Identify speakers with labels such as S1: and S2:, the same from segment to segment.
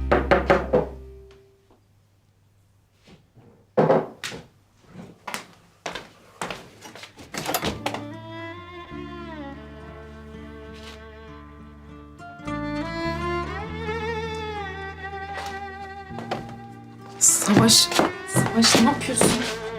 S1: Savaş ne yapıyorsun?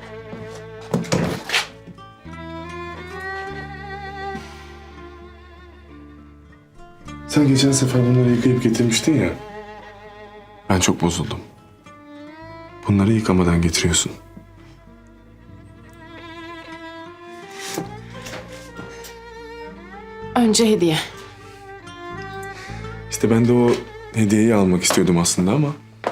S2: Sen geçen sefer bunları yıkayıp getirmiştin ya. Ben çok bozuldum. Bunları yıkamadan getiriyorsun.
S1: Önce hediye.
S2: İşte ben de o hediyeyi almak istiyordum aslında ama...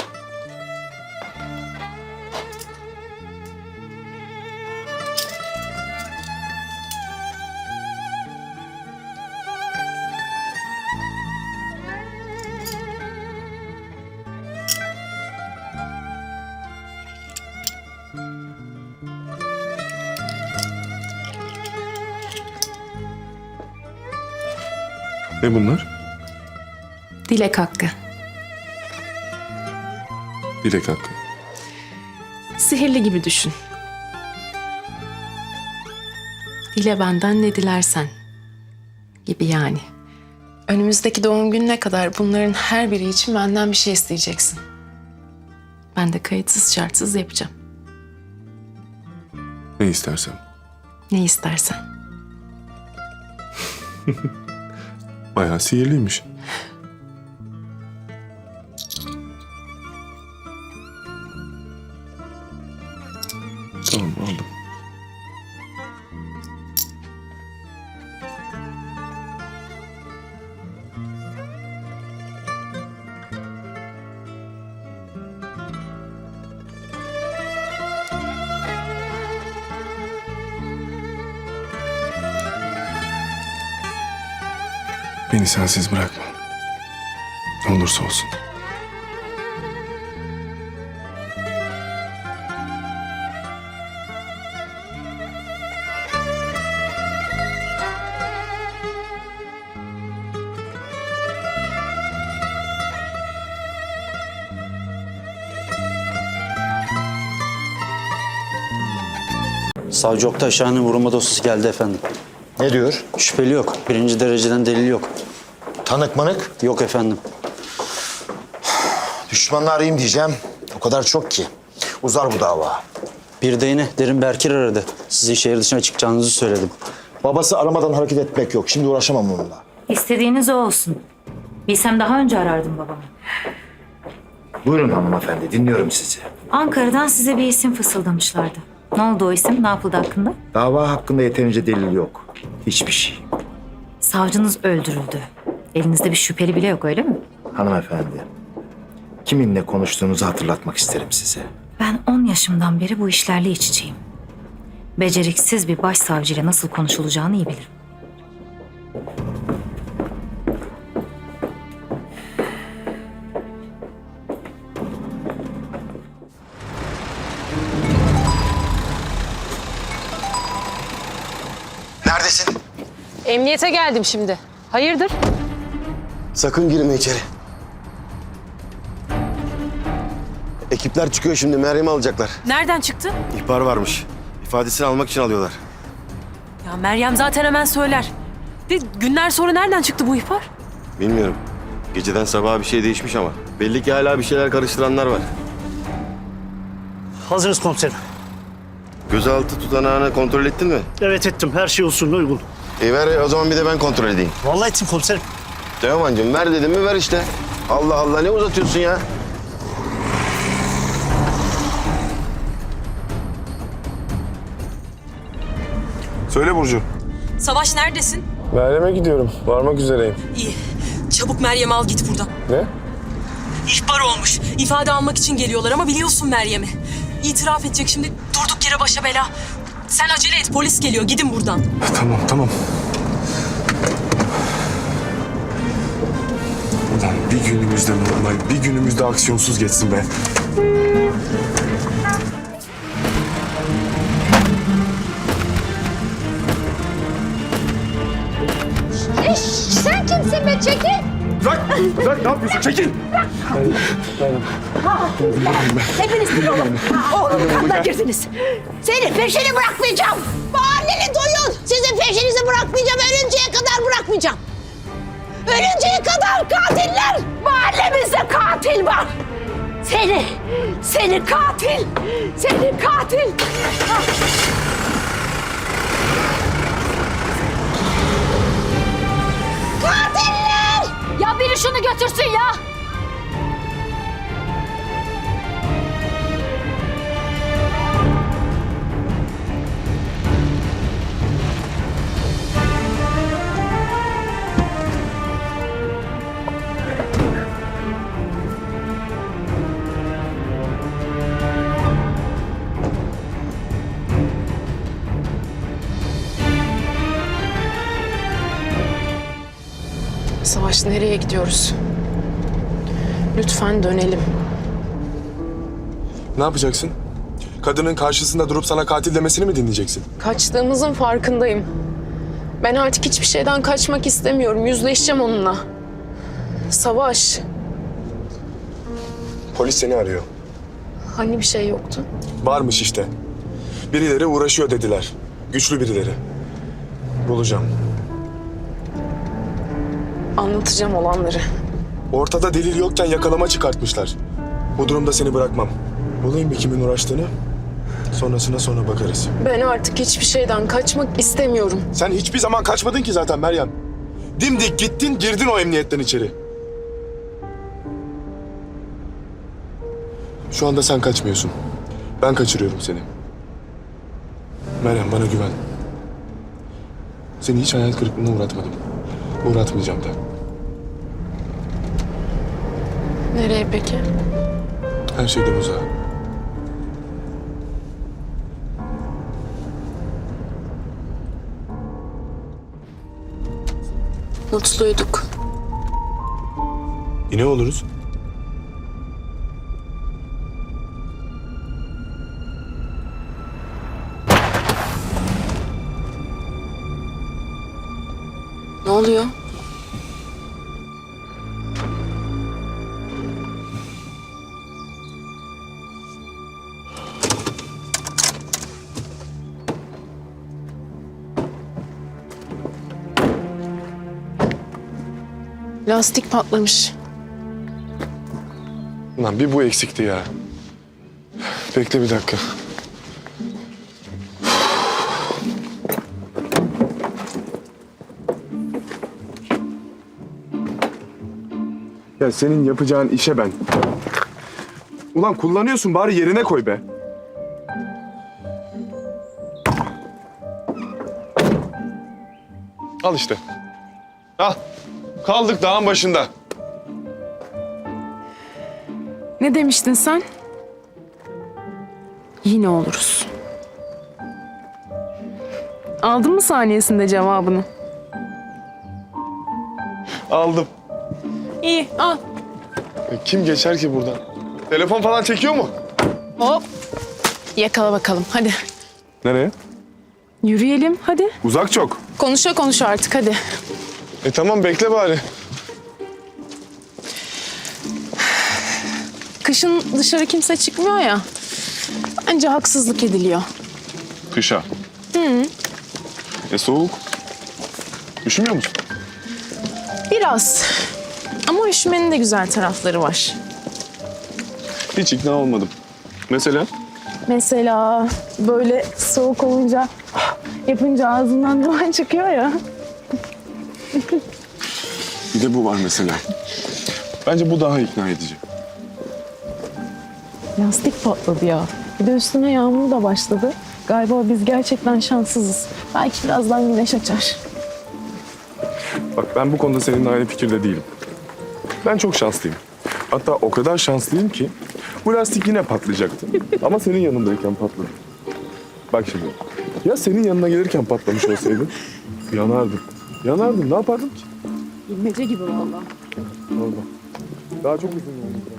S2: Ne bunlar?
S1: Dilek hakkı.
S2: Dilek hakkı.
S1: Sihirli gibi düşün. Dile benden ne dilersen gibi yani. Önümüzdeki doğum gününe kadar bunların her biri için benden bir şey isteyeceksin. Ben de kayıtsız şartsız yapacağım.
S2: Ne istersem.
S1: Ne istersen.
S2: Bayağı sihirliymiş. Tamam, aldım. Beni sensiz bırakma. Ne olursa olsun.
S3: Savcı Oktay Şahin'in vurulma dosyası geldi efendim.
S4: Ne diyor?
S3: Şüpheli yok. Birinci dereceden delil yok.
S4: Tanık manık?
S3: Yok efendim.
S4: Düşmanını arayayım diyeceğim. O kadar çok ki. Uzar bu dava.
S3: Bir de yine Derin Berkir aradı. Sizi şehir dışına çıkacağınızı söyledim.
S4: Babası aramadan hareket etmek yok. Şimdi uğraşamam onunla.
S5: İstediğiniz o olsun. Bilsem daha önce arardım babamı.
S4: Buyurun hanımefendi, dinliyorum sizi.
S5: Ankara'dan size bir isim fısıldamışlardı. Ne oldu o isim? Ne yapıldı hakkında?
S4: Dava hakkında yeterince delil yok. Hiçbir şey.
S5: Savcınız öldürüldü. Elinizde bir şüpheli bile yok öyle mi?
S4: Hanımefendi, kiminle konuştuğunuzu hatırlatmak isterim size.
S5: Ben 10 yaşımdan beri bu işlerle iç içeyim. Beceriksiz bir başsavcıyla nasıl konuşulacağını iyi bilirim.
S4: Neredesin?
S6: Emniyete geldim şimdi. Hayırdır?
S7: Sakın girme içeri. Ekipler çıkıyor şimdi. Meryem'i alacaklar.
S6: Nereden çıktı?
S7: İhbar varmış. İfadesini almak için alıyorlar.
S6: Ya Meryem zaten hemen söyler. De günler sonra nereden çıktı bu ihbar?
S7: Bilmiyorum. Geceden sabaha bir şey değişmiş ama. Belli ki hala bir şeyler karıştıranlar var.
S8: Hazırız komiserim.
S7: Gözaltı tutanağını kontrol ettin mi?
S8: Evet ettim. Her şey usulüne uygun.
S7: Ver o zaman bir de ben kontrol edeyim.
S8: Vallahi ettim komiserim.
S7: Teoman'cığım ver dedim mi ver işte. Allah Allah ne uzatıyorsun ya?
S2: Söyle Burcu.
S6: Savaş neredesin?
S2: Meryem'e gidiyorum. Varmak üzereyim.
S6: İyi. Çabuk Meryem'i al git buradan.
S2: Ne?
S6: İhbar olmuş. İfade almak için geliyorlar ama biliyorsun Meryem'i. İtiraf edecek şimdi. Durduk yere başa bela. Sen acele et, polis geliyor. Gidin buradan.
S2: Tamam. Ulan bir günümüzde normal, bir günümüzde aksiyonsuz geçsin be.
S9: Sen kimsin be çekil?
S2: Bırak ne yapıyorsun? Çekil!
S9: Hepiniz bir olun. Oğlum kanına girdiniz. Seni peşini bırakmayacağım. Mahalleli duyun. Sizin peşinizi bırakmayacağım. Ölünceye kadar bırakmayacağım. Ölünceye kadar katiller. Mahallemizde katil var. Seni katil. Seni katil. Katiller! Ya biri şunu götürsün ya.
S1: Savaş, nereye gidiyoruz? Lütfen dönelim.
S2: Ne yapacaksın? Kadının karşısında durup sana katil demesini mi dinleyeceksin?
S1: Kaçtığımızın farkındayım. Ben artık hiçbir şeyden kaçmak istemiyorum. Yüzleşeceğim onunla. Savaş,
S2: Polis seni arıyor.
S1: hani bir şey yoktu?
S2: Varmış işte. Birileri uğraşıyor dediler. Güçlü birileri. Bulacağım.
S1: Anlatacağım olanları.
S2: Ortada delil yokken yakalama çıkartmışlar. Bu durumda seni bırakmam. Bulayım bir kimin uğraştığını. Sonrasına sonra bakarız.
S1: Ben artık hiçbir şeyden kaçmak istemiyorum.
S2: Sen hiçbir zaman kaçmadın ki zaten Meryem. Dimdik gittin, girdin o emniyetten içeri. Şu anda sen kaçmıyorsun. Ben kaçırıyorum seni. Meryem, bana güven. Seni hiç hayal kırıklığına uğratmadım. Uğratmayacağım da.
S1: Nereye peki?
S2: Her şeyden uzağa.
S1: Mutluyduk.
S2: Yine oluruz.
S1: Ne oluyor? Lastik patlamış.
S2: Ulan bir bu eksikti ya. Bekle bir dakika. Ya senin yapacağın işe ben. Ulan kullanıyorsun, bari yerine koy be. Al işte. Al. Kaldık dağın başında.
S1: Ne demiştin sen? Yine oluruz. Aldın mı saniyesinde cevabını?
S2: Aldım.
S1: İyi, al.
S2: Kim geçer ki buradan? Telefon falan çekiyor mu?
S1: Hop. Yakala bakalım, hadi.
S2: Nereye?
S1: Yürüyelim, hadi.
S2: Uzak çok.
S1: Konuşa konuşa artık, hadi.
S2: Tamam, bekle bari.
S1: Kışın dışarı kimse çıkmıyor ya. Bence haksızlık ediliyor.
S2: Kışa. Soğuk. Üşümüyor musun?
S1: Biraz. Ama üşümenin de güzel tarafları var.
S2: Hiç ikna olmadım. Mesela?
S1: Mesela böyle soğuk olunca yapınca ağzından duman çıkıyor ya.
S2: Bir de bu var mesela. Bence bu daha ikna edici.
S1: Lastik patladı ya. Bir de üstüne yağmur da başladı. Galiba biz gerçekten şanssızız. Belki birazdan güneş açar.
S2: Bak, ben bu konuda seninle aynı fikirde değilim. Ben çok şanslıyım. Hatta o kadar şanslıyım ki bu lastik yine patlayacaktı. Ama senin yanındayken patladı. Bak şimdi. Ya senin yanına gelirken patlamış olsaydı yanardım. Yanardım. Ne yapardım ki?
S1: Bilmece gibi vallahi.
S2: Oldu. Daha çok uzun yolum var.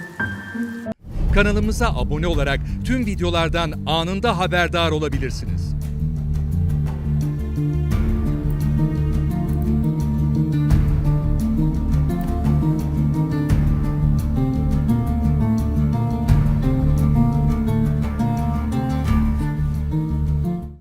S10: Kanalımıza abone olarak tüm videolardan anında haberdar olabilirsiniz.